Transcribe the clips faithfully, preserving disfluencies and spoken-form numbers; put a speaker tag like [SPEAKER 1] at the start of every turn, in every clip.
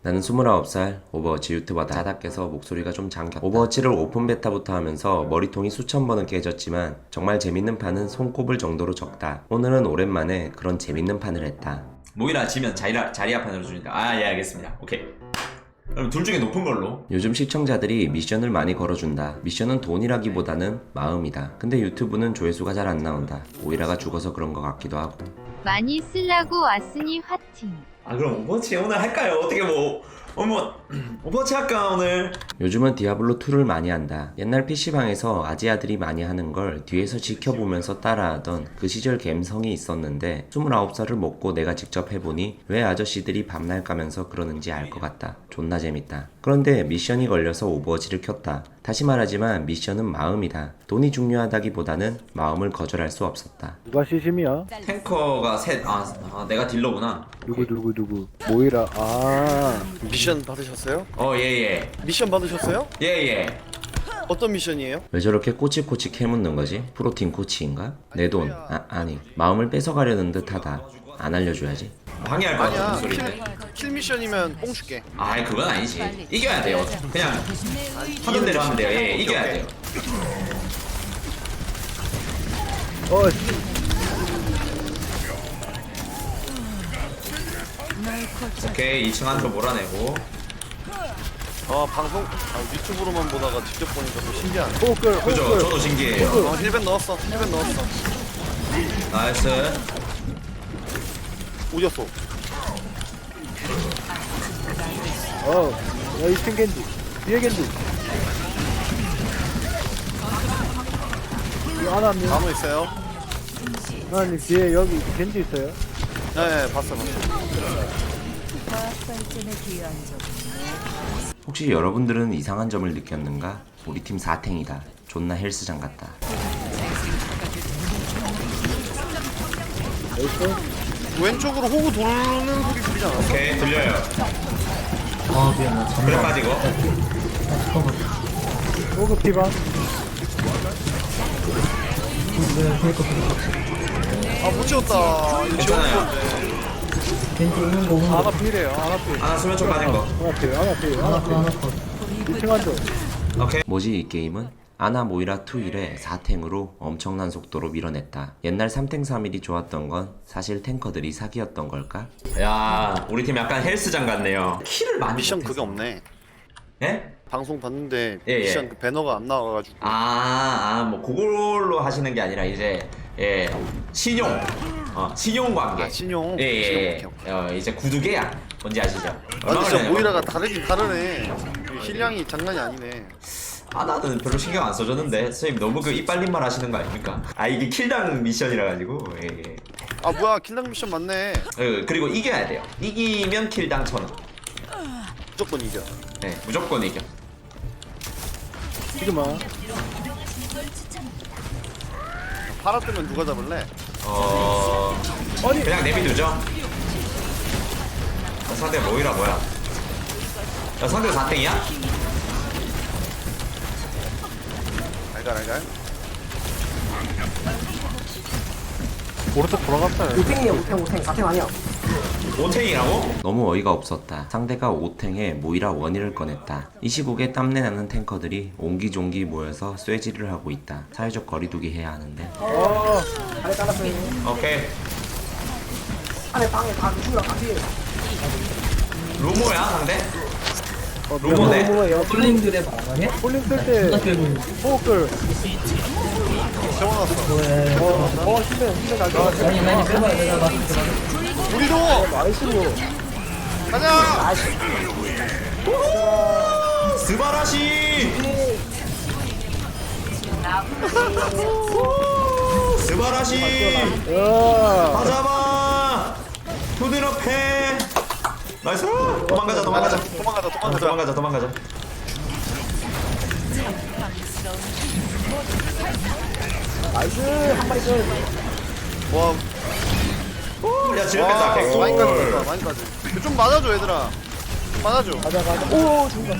[SPEAKER 1] 나는 스물아홉 살 오버워치 유튜버다. 자다 깨서 목소리가 좀 잠겼다. 오버워치를 오픈 베타부터 하면서 머리통이 수천 번은 깨졌지만 정말 재밌는 판은 손꼽을 정도로 적다. 오늘은 오랜만에 그런 재밌는 판을 했다.
[SPEAKER 2] 모이라 지면 자리라, 자리아판으로 주니까 아 예 알겠습니다. 오케이. 그럼 둘 중에 높은 걸로.
[SPEAKER 1] 요즘 시청자들이 미션을 많이 걸어준다. 미션은 돈이라기보다는 마음이다. 근데 유튜브는 조회수가 잘 안 나온다. 오이라가 죽어서 그런 것 같기도 하고.
[SPEAKER 3] 많이 쓰려고 왔으니 화팅.
[SPEAKER 2] 아 그럼 오버워치 오늘 할까요? 어떻게 뭐 어머 오버워치 할까 오늘?
[SPEAKER 1] 요즘은 디아블로이를 많이 한다. 옛날 피시방에서 아지아들이 많이 하는 걸 뒤에서 지켜보면서 따라하던 그 시절 갬성이 있었는데 스물아홉 살을 먹고 내가 직접 해보니 왜 아저씨들이 밤날 까면서 그러는지 알 것 같다. 존나 재밌다. 그런데 미션이 걸려서 오버워치를 켰다. 다시 말하지만 미션은 마음이다. 돈이 중요하다기보다는 마음을 거절할 수 없었다.
[SPEAKER 4] 누가 시심이야?
[SPEAKER 2] 탱커가 셋. 아, 아 내가 딜러구나.
[SPEAKER 4] 누구 누구 누구 모이라. 아
[SPEAKER 5] 미션 받으셨어요?
[SPEAKER 2] 어 예예
[SPEAKER 5] 미션 받으셨어요?
[SPEAKER 2] 예예.
[SPEAKER 5] 어떤 미션이에요?
[SPEAKER 1] 왜 저렇게 꼬치꼬치 캐묻는 거지? 프로틴 코치인가? 내 돈. 아, 아니. 마음을 뺏어가려는 듯하다. 안 알려줘야지.
[SPEAKER 2] 방해할 것 같은
[SPEAKER 5] 아니야
[SPEAKER 2] 소리인데.
[SPEAKER 5] 킬, 킬 미션이면 뽕 줄게.
[SPEAKER 2] 아이 그건 아니지. 이겨야 돼요. 그냥 하던 대로 하면 돼요. 예 이겨야 돼요.
[SPEAKER 4] 어
[SPEAKER 2] 오케이 이 층 안으로 몰아내고.
[SPEAKER 5] 아 방송 아, 유튜브로만 보다가 직접 보니까 더 신기하네.
[SPEAKER 4] 호끌
[SPEAKER 2] 그죠?
[SPEAKER 4] 호끌.
[SPEAKER 2] 저도 신기해요.
[SPEAKER 5] 어 힐벤 넣었어 힐벤 넣었어.
[SPEAKER 2] 나이스.
[SPEAKER 5] 오졌어.
[SPEAKER 4] 어야 이층 겐지 뒤에 겐지. 이 하나님
[SPEAKER 5] 나무 있어요?
[SPEAKER 4] 하나님 뒤에 여기 겐지 있어요.
[SPEAKER 5] 네 봤어 봤어.
[SPEAKER 1] 혹시 여러분들은 이상한 점을 느꼈는가? 우리 팀 사탱이다. 존나 헬스장 같다.
[SPEAKER 5] 왼쪽으로 호구 도는 소리 들리지 않았어?
[SPEAKER 2] 오케이 들려요.
[SPEAKER 6] 아 미안해
[SPEAKER 2] 그래 빠지고.
[SPEAKER 4] 호그 피방.
[SPEAKER 5] 아못 채웠다. 이거
[SPEAKER 2] 괜찮아요.
[SPEAKER 5] 채웠는데.
[SPEAKER 6] 겐지 오는 거 오는 거
[SPEAKER 4] 하나 필이에요. 하나 필.
[SPEAKER 2] 하나 수면 쪽 빠진 거.
[SPEAKER 4] 하나 필. 하나 필.
[SPEAKER 6] 하나
[SPEAKER 4] 하나
[SPEAKER 6] 컷 하나
[SPEAKER 4] 필.
[SPEAKER 6] 컷
[SPEAKER 4] 이층 한조.
[SPEAKER 2] 오케이.
[SPEAKER 1] 뭐지 이 게임은? 아나 모이라 이 일에 사탱으로 엄청난 속도로 밀어냈다. 옛날 삼 탱 삼 일이 좋았던 건 사실 탱커들이 사기였던 걸까?
[SPEAKER 2] 야 우리 팀 약간 헬스장 같네요. 킬을 많이
[SPEAKER 5] 미션
[SPEAKER 2] 못해서.
[SPEAKER 5] 그게 없네.
[SPEAKER 2] 예?
[SPEAKER 5] 방송 봤는데
[SPEAKER 2] 예, 예.
[SPEAKER 5] 미션 그 배너가 안 나와가지고.
[SPEAKER 2] 아아뭐 그걸로 하시는 게 아니라 이제 예 신용 어 신용 관계.
[SPEAKER 5] 아, 신용.
[SPEAKER 2] 예예.
[SPEAKER 5] 신용,
[SPEAKER 2] 예,
[SPEAKER 5] 오케이,
[SPEAKER 2] 어 이제 구두개야. 뭔지 아시죠?
[SPEAKER 5] 아
[SPEAKER 2] 얼마
[SPEAKER 5] 근데 진짜
[SPEAKER 2] 전에
[SPEAKER 5] 모이라가 다르긴 다르네. 힐량이 장난이 아니네.
[SPEAKER 2] 아 나는 별로 신경 안 써줬는데 선생님 너무 그 이빨림말 하시는 거 아닙니까? 아 이게 킬당 미션이라 가지고 예, 예.
[SPEAKER 5] 아 뭐야 킬량 미션 맞네.
[SPEAKER 2] 어, 그리고 이겨야 돼요. 이기면 킬당 천 원.
[SPEAKER 5] 무조건 이겨.
[SPEAKER 2] 네 무조건 이겨.
[SPEAKER 4] 지금아.
[SPEAKER 5] 팔아 뜨면 누가 잡을래?
[SPEAKER 2] 어
[SPEAKER 4] 아니
[SPEAKER 2] 그냥 내비두죠. 야, 상대 뭐이라 뭐야? 야 상대 사탱이야?
[SPEAKER 5] 알갈 알갈.
[SPEAKER 4] 오른쪽 돌아갔어요.
[SPEAKER 7] 오탱이에요 오탱 오탱 사탱 아니야.
[SPEAKER 2] 오탱이라고?
[SPEAKER 1] 너무 어이가 없었다. 상대가 오 탱에 모이라 원일을 꺼냈다. 이 시국에 땀내나는 탱커들이 옹기종기 모여서 쇠질을 하고 있다. 사회적 거리두기 해야 하는데
[SPEAKER 4] 어
[SPEAKER 7] 안에 잘랐어요.
[SPEAKER 2] 오케이.
[SPEAKER 7] 안에 방에 다 누구랑 같이.
[SPEAKER 2] 루모야 상대?
[SPEAKER 4] 어,
[SPEAKER 2] 로모네.
[SPEAKER 4] 로모예요.
[SPEAKER 6] 폴링들의 방어네?
[SPEAKER 4] 폴링 쓸때
[SPEAKER 6] 존나 끌고
[SPEAKER 4] 호끌.
[SPEAKER 5] 세워놨어.
[SPEAKER 6] 뭐해
[SPEAKER 4] 어 힘내 힘내 잘 들어.
[SPEAKER 6] 아니 아니 빼봐 내가 마스크
[SPEAKER 5] 우리도
[SPEAKER 4] 나이스로.
[SPEAKER 5] 가자.
[SPEAKER 2] 스바라시! 스바라시!
[SPEAKER 4] 야.
[SPEAKER 2] 가자마! 푸드럽해! 나이스! 도망가자 도망가자
[SPEAKER 5] 도망가자
[SPEAKER 2] 어,
[SPEAKER 5] 도망가자.
[SPEAKER 2] 도망가자 도망가자.
[SPEAKER 7] 나이스 한 마리 더.
[SPEAKER 5] 와.
[SPEAKER 2] 야 지렸겠다
[SPEAKER 5] 와
[SPEAKER 2] 개꿀.
[SPEAKER 5] 많이까지 많이까지. 좀 맞아줘 얘들아. 좀 맞아줘.
[SPEAKER 4] 가자 가자. 오 죽는다.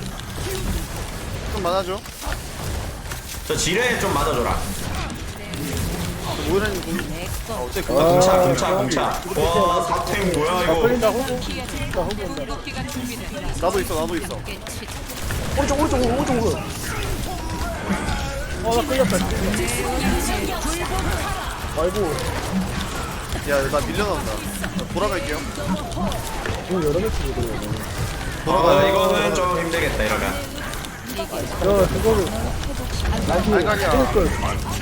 [SPEAKER 5] 좀 맞아줘.
[SPEAKER 2] 저 지뢰 좀 맞아줘라.
[SPEAKER 5] 모이라님 공. 아 어째
[SPEAKER 2] 나 공차
[SPEAKER 4] 아,
[SPEAKER 2] 공차
[SPEAKER 4] 아,
[SPEAKER 2] 공차. 와 사탱 뭐야
[SPEAKER 4] 아,
[SPEAKER 2] 이거.
[SPEAKER 4] 끌린다, 호구. 나 호구 온다.
[SPEAKER 5] 나도 있어 나도 있어.
[SPEAKER 4] 오른쪽, 오른쪽, 오른쪽, 오른쪽. 어, 나 끌렸다. 아이고,
[SPEAKER 5] 야나 밀려난다. 나 돌아갈게요.
[SPEAKER 4] 지금 여러 개 치고 들어오네.
[SPEAKER 2] 아 이거는 좀 힘들겠다 이러면.
[SPEAKER 4] 야, 그거를. 나이스.
[SPEAKER 5] 알갈이야.
[SPEAKER 4] 찍을 걸.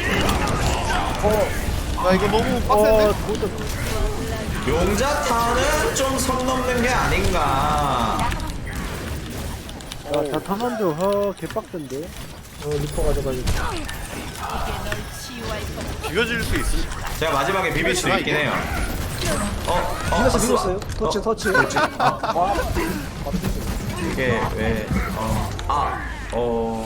[SPEAKER 5] 나 이거 너무
[SPEAKER 4] 어,
[SPEAKER 5] 빡센데?
[SPEAKER 4] 그것도.
[SPEAKER 2] 용자타는 좀 선 넘는 게 아닌가.
[SPEAKER 4] 야, 다 타만도, 어, 개빡센데. 어, 리퍼 가져가지고.
[SPEAKER 5] 죽여질 수 있음.
[SPEAKER 2] 제가 마지막에 비빌 수 있긴 해요. 어, 어,
[SPEAKER 4] 밀었어,
[SPEAKER 2] 봤어.
[SPEAKER 4] 밀었어요. 터치, 터치. 아,
[SPEAKER 2] 이게 왜, 어, 아, 어,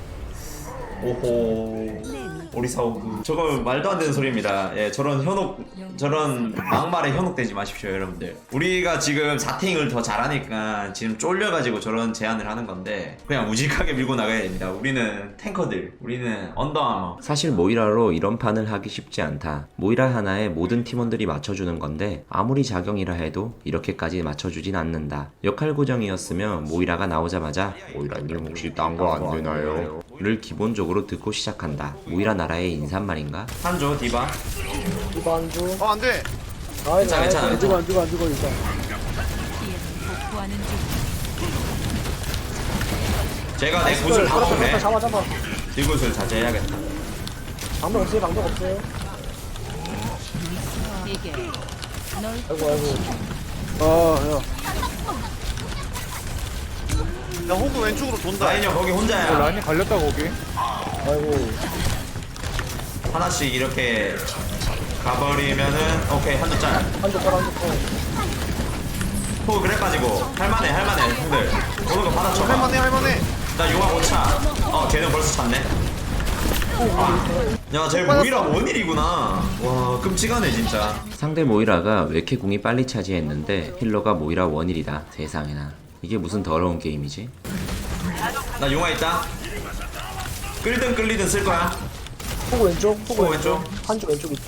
[SPEAKER 2] 오호, 오리사오그. 저거 말도 안 되는 소리입니다. 예, 저런 현혹, 저런 막말에 현혹되지 마십시오, 여러분들. 우리가 지금 사탱을 더 잘하니까 지금 쫄려가지고 저런 제안을 하는 건데, 그냥 우직하게 밀고 나가야 됩니다. 우리는 탱커들, 우리는 언더아머.
[SPEAKER 1] 사실 모이라로 이런 판을 하기 쉽지 않다. 모이라 하나에 모든 팀원들이 맞춰주는 건데 아무리 자경이라 해도 이렇게까지 맞춰주진 않는다. 역할 고정이었으면 모이라가 나오자마자 모이라님 혹시 딴 거 안 되나요? 를 기본적으로 듣고 시작한다. 모이라 나라의 인사말인가?
[SPEAKER 2] 한조, 디바.
[SPEAKER 4] 이거 안 줘.
[SPEAKER 5] 어 안돼.
[SPEAKER 4] 아이,
[SPEAKER 2] 괜찮아, 괜찮아,
[SPEAKER 4] 안 죽어, 안 죽어, 안 죽어, 일단.
[SPEAKER 2] 제가 내 굿을 다 먹네.
[SPEAKER 4] 잡아, 잡아.
[SPEAKER 2] 이 굿을 자제해야겠다.
[SPEAKER 4] 방법 없어요, 방법 없어요. 아이고, 아이고. 아, 야.
[SPEAKER 5] 야 호구 왼쪽으로 돈다.
[SPEAKER 2] 라인 형 거기 혼자야.
[SPEAKER 4] 라인이 갈렸다, 거기. 아이고.
[SPEAKER 2] 하나씩 이렇게 가버리면은 오케이 한조 짤.
[SPEAKER 4] 한쪽 깔아, 한쪽 깔아.
[SPEAKER 2] 호 그래 가지고 할만해 할만해 형들 오는 거 받아쳐.
[SPEAKER 5] 할만해 할만해.
[SPEAKER 2] 나 용화 못 차. 어 걔는 벌써 찼네. 야쟤 모이라 원일이구나. 와 끔찍하네 진짜.
[SPEAKER 1] 상대 모이라가 왜 이렇게 궁이 빨리 차지했는데 힐러가 모이라 원일이다. 세상에나. 이게 무슨 더러운 게임이지?
[SPEAKER 2] 나 용화 있다. 끌든 끌리든 쓸 거야.
[SPEAKER 4] 호구 왼쪽, 호구
[SPEAKER 2] 호구
[SPEAKER 4] 왼쪽.
[SPEAKER 2] 왼쪽.
[SPEAKER 4] 한쪽 왼쪽 있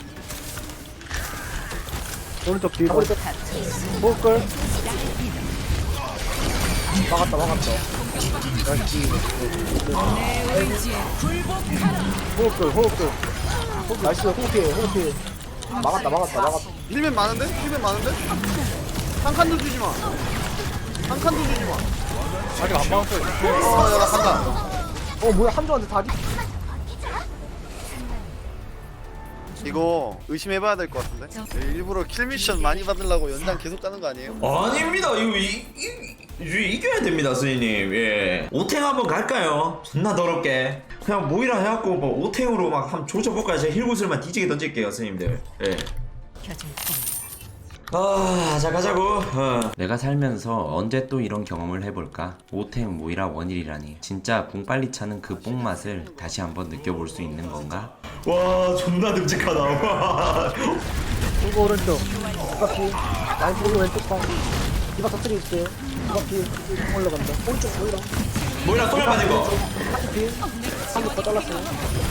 [SPEAKER 4] 오른쪽 뒤. 오른쪽. 호구 끌. 막았다, 막았다. 나이스. 호구 끌, 호구 끌. 호구, 나이스, 호구 피해, 호구 피해. 막았다, 막았다, 막았다.
[SPEAKER 5] 힐맨 많은데? 힐맨 많은데? 한 칸도 주지 마. 한 칸도 주지 마.
[SPEAKER 4] 아직 안 막았어요.
[SPEAKER 5] 어, 야, 나 간다.
[SPEAKER 4] 어, 뭐야, 한조한테 다리.
[SPEAKER 5] 이거 의심해봐야 될 것 같은데? 일부러 킬 미션 많이 받으려고 연장 계속 가는 거 아니에요?
[SPEAKER 2] 아닙니다. 이거 이, 이, 이, 이겨야 됩니다 스님. 예. 오탱 한번 갈까요? 존나 더럽게. 그냥 모이라 해갖고 뭐 오탱으로 막 한번 조져볼까요? 제가 힐구슬만 뒤지게 던질게요 스님들. 예. 아, 자 가자고. 어.
[SPEAKER 1] 내가 살면서 언제 또 이런 경험을 해볼까? 오탱 모이라 원일이라니. 진짜 궁 빨리 차는 그 뽕맛을 다시 한번 느껴볼 수 있는 건가?
[SPEAKER 2] 와, 존나 듬직하다. 와.
[SPEAKER 4] 호구 오른쪽. 이바퀴. 라인 호구 왼쪽 방. 이바 터뜨리 있어요. 이바퀴. 올라간다. 오른쪽 보이라.
[SPEAKER 2] 모이라 똥을 맞은 거.
[SPEAKER 4] 한쪽 피. 한쪽 더 잘랐어요.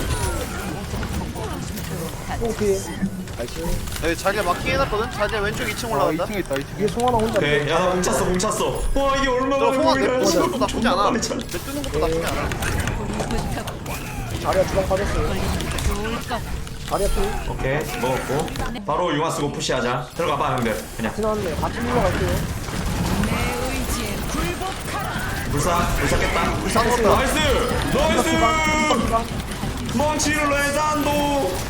[SPEAKER 4] 호구 피. 나이스.
[SPEAKER 5] 여기 자리가 막히게 해놨거든? 자리가 왼쪽 이 층 올라간다?
[SPEAKER 4] 위에 송하나 혼자.
[SPEAKER 2] 오케이. 야, 나 뭉쳤어, 뭉쳤어. 와, 이게 얼마나
[SPEAKER 5] 저 송아 내
[SPEAKER 2] 모이라야.
[SPEAKER 5] 뜨는 것도 나쁘지
[SPEAKER 2] 존나
[SPEAKER 5] 않아.
[SPEAKER 2] 빨리
[SPEAKER 5] 내
[SPEAKER 2] 차.
[SPEAKER 5] 뜨는 것도 나쁘지 않아.
[SPEAKER 4] 자리야 주방 빠졌어요. 자리야 피.
[SPEAKER 2] 오케이, 먹었고. 바로 융화 쓰고 푸시하자. 들어가봐, 형들. 그냥.
[SPEAKER 4] 지나왔네. 같이 올라갈게요.
[SPEAKER 2] 불사, 불사 깼다.
[SPEAKER 5] 불쌍 것다.
[SPEAKER 2] 나이스! 나이스! 멍치를 레잔도!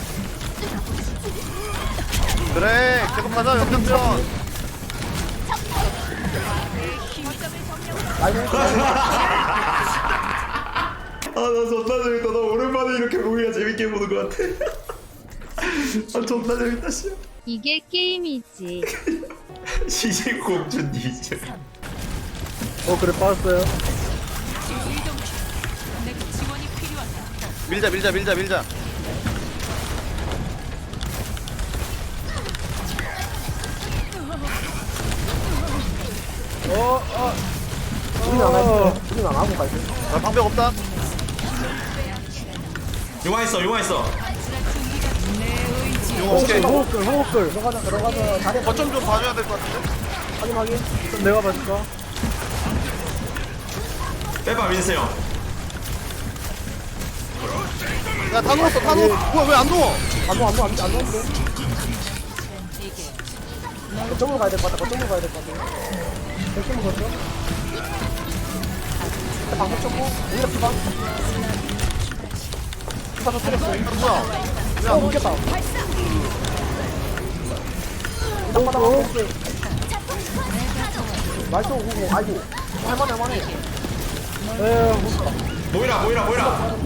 [SPEAKER 5] 그래, 계속 가자, 역전전.
[SPEAKER 2] 아, 나 존나 재밌다. 나 오랜만에 이렇게 모이라 재밌게 보는 것 같아. 아, 존나 재밌다, 씨.
[SPEAKER 3] 이게 게임이지.
[SPEAKER 2] 시신공주님.
[SPEAKER 4] 어 그래 빠졌어요.
[SPEAKER 5] 밀자, 밀자, 밀자, 밀자.
[SPEAKER 4] 어 어. 우리는 안 할게. 우리는 안 하고 갈게.
[SPEAKER 5] 나 방벽 없다.
[SPEAKER 2] 융화 있어, 융화 있어.
[SPEAKER 5] 용 오케이.
[SPEAKER 4] 호흡글 호흡글 들어가자 들어가자 자리
[SPEAKER 5] 거점 좀 봐줘야 될 것 같은데.
[SPEAKER 4] 확인 확인 그럼 내가 봐줄까?
[SPEAKER 2] 빼봐 민스 형.
[SPEAKER 5] 야다 누웠어 다 누웠어. 뭐야 왜 안 누워?
[SPEAKER 4] 안 누워 안 누워 안 누워 안 누워 거점으로 가야 될 것 같다 거점으로 가야 될 것 같아 백점 먹었어? 방금 쳤고 오히려 피방 피방 터뜨렸어
[SPEAKER 5] 뭐야?
[SPEAKER 4] 어 먹겠다 이동마다 먹었어 나이스 오고 아이고 할만해 할만해 에휴 못다
[SPEAKER 2] 모이라 모이라 모이라.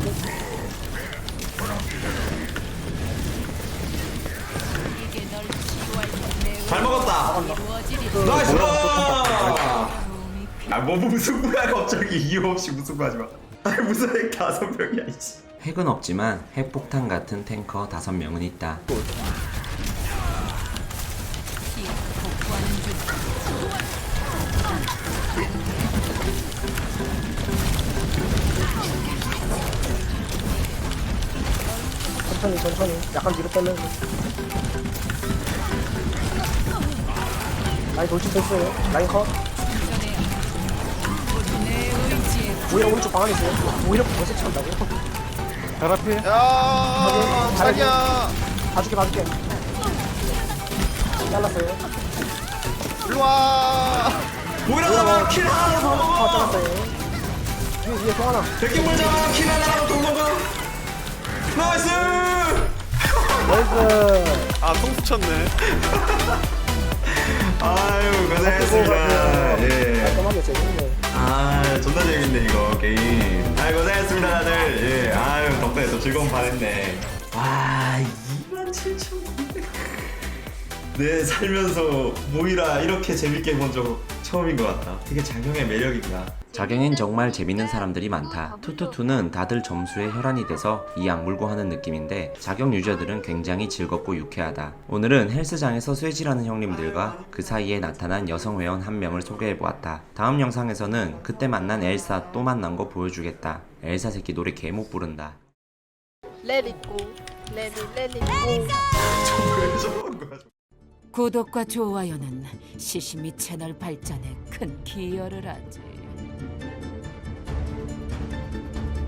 [SPEAKER 2] 잘 먹었다. 나이스. 아뭐 무슨 거야 갑자기 이유 없이 무슨 거 하지 마. 아니 무슨 핵 다섯 명이야 이씨.
[SPEAKER 1] 핵은 없지만 핵폭탄 같은 탱커 다섯 명은 있다.
[SPEAKER 4] 천천히 천천히 약간 뒤로 빼면서 라인 돌진됐어요 라인 컷 오히려 오른쪽 방 안에 있어요 오히려 벌써 찬다고 별 앞에
[SPEAKER 5] 야 자기야.
[SPEAKER 4] 봐줄게 봐줄게 잘랐어요
[SPEAKER 5] 일로 와.
[SPEAKER 2] 모이라 잡아 킬 하나 더
[SPEAKER 4] 아
[SPEAKER 2] 먹어.
[SPEAKER 4] 잘랐어요 위에 위에 통 하나
[SPEAKER 2] 백기물 잡아 킬 하나 더 먹어. 나이스.
[SPEAKER 4] 나이스
[SPEAKER 5] 아통 붙였네.
[SPEAKER 2] 아유 고생했습니다. 예.
[SPEAKER 4] 깔끔하게 재밌네
[SPEAKER 2] 아 존나 재밌네 이거 게임. 아유 고생했습니다 다들. 예. 아유 덕분에 또 즐거운 반 했네. 와 이만 칠천구백. 내 살면서 모이라 이렇게 재밌게 본 적 처음인 것 같다. 되게 장형의 매력이구나.
[SPEAKER 1] 자경엔 정말 재밌는 사람들이 많다. 투투투는 다들 점수에 혈안이 돼서 이 악물고 하는 느낌인데 자경 유저들은 굉장히 즐겁고 유쾌하다. 오늘은 헬스장에서 쇠질하는 형님들과 그 사이에 나타난 여성 회원 한 명을 소개해보았다. 다음 영상에서는 그때 만난 엘사 또 만난 거 보여주겠다. 엘사 새끼 노래 개 못 부른다.
[SPEAKER 7] Let it go. Let it, let it go.
[SPEAKER 2] 왜 저러는 거야?
[SPEAKER 8] 구독과 좋아요는 시시미 채널 발전에 큰 기여를 하지.